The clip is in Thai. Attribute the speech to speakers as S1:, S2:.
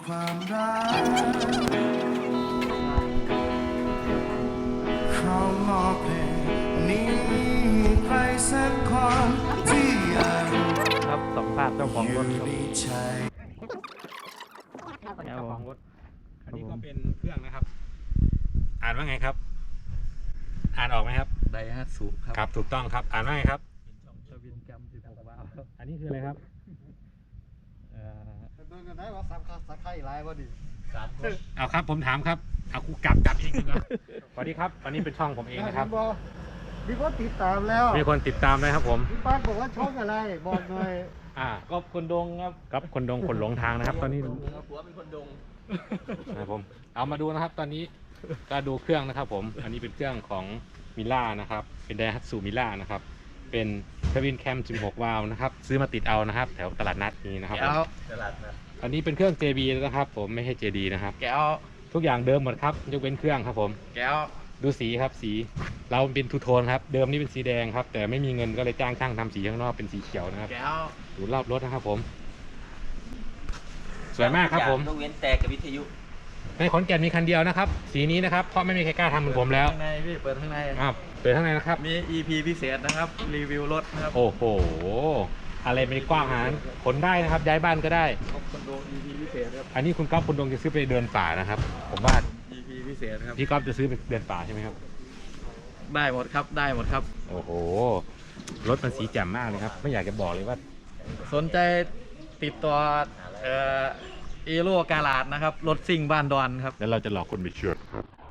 S1: ความรักเขามอบเพลงนี้ใครสักคนที่ยัง
S2: ครับสัมภาษณ์เจ้าของรถครับ
S1: ดีใจ
S2: เจ้าของรถ
S3: อันนี้ก็เป็นเครื่องนะครับ อ่านว่าไงครับ อ่านออกไหมครับ
S2: ไดฮัตสุครับ
S3: ครับถูกต้องครับ อ่านว่าไงครับ
S2: ทวินแกม16วาล์ว
S3: อันนี้คืออะไรครับ
S4: โดนกันได้ว่าสักไข่ร้ายว่าดิ
S3: เอาครับผมถามครับ เอากูกลับเองดีกว่าสวัสดีครับวันนี้เป็นช่องผมเองนะครับ
S4: มีคนติดตามแล้ว
S3: มีคนติดตามเลยครับผม
S4: พี่ป้านบอกว่าช่องอะไรบอกหน่อย
S3: ก็คนดงครับครับคนดงคนหลงทางนะครับ ตอนนี้
S2: ผัวเป็นคนดง
S3: นะครับผม เอามาดูนะครับ ตอนนี้ก็ดูเครื่องนะครับ ผม อันนี้เป็นเครื่องของมิล่านะครับ เป็นไดฮัตสุมิล่านะครับ เป็นทวินแคม16วาล์วนะครับ ซื้อมาติดเอานะครับ แถวตลาดนัดนี้นะครับผม
S2: ตลาดนะ
S3: อันนี้เป็นเครื่อง JB นะครับ ผมไม่ใช่ JD นะครับ
S2: แก้ว
S3: ทุกอย่างเดิมหมดครับยกเว้นเครื่องครับผม
S2: แก้ว
S3: ดูสีครับสีเราเป็นทูโทนครับเดิมนี่เป็นสีแดงครับแต่ไม่มีเงินก็เลยจ้างช่างทำสีข้างนอกเป็นสีเขียวนะครับ
S2: แก้ว
S3: ดูรอบรถนะครับผม สวยมากครับผม
S2: ยกเว้นแตกกับวิทยุ
S3: ในขอนแก่นมีคันเดียวนะครับสีนี้นะครับเพราะไม่มีใครกล้าทำเหมือนผมแล้ว
S2: ข้างในพี่เปิดข้างใน
S3: เปิดข้างในนะครับ
S2: มี EP พิเศษนะครับ รีวิวรถนะครับ
S3: โอ้โหอะไรไม่กว้างหารขนได้นะครับ ย้ายบ้านก็ได้
S2: คนดง EP พิเศษครับ
S3: อันนี้คุณก๊อฟคุณดงจะซื้อไปเดินป่านะครับ ผมว่า
S2: EP พิเศษครับ
S3: พี่ก๊อฟจะซื้อไปเดินป่าใช่ไหมครับ
S2: ได้หมดครับ ได้หมดครับ
S3: โอ้โหรถมันสีแจ่มมากเลยครับไม่อยากจะบอกเลยว่า
S2: สนใจติดต่อเอโร่กาลาดนะครับ รถซิ่งบ้านดอนครับ
S3: แล้วเราจะหลอกคนไปเชื่อ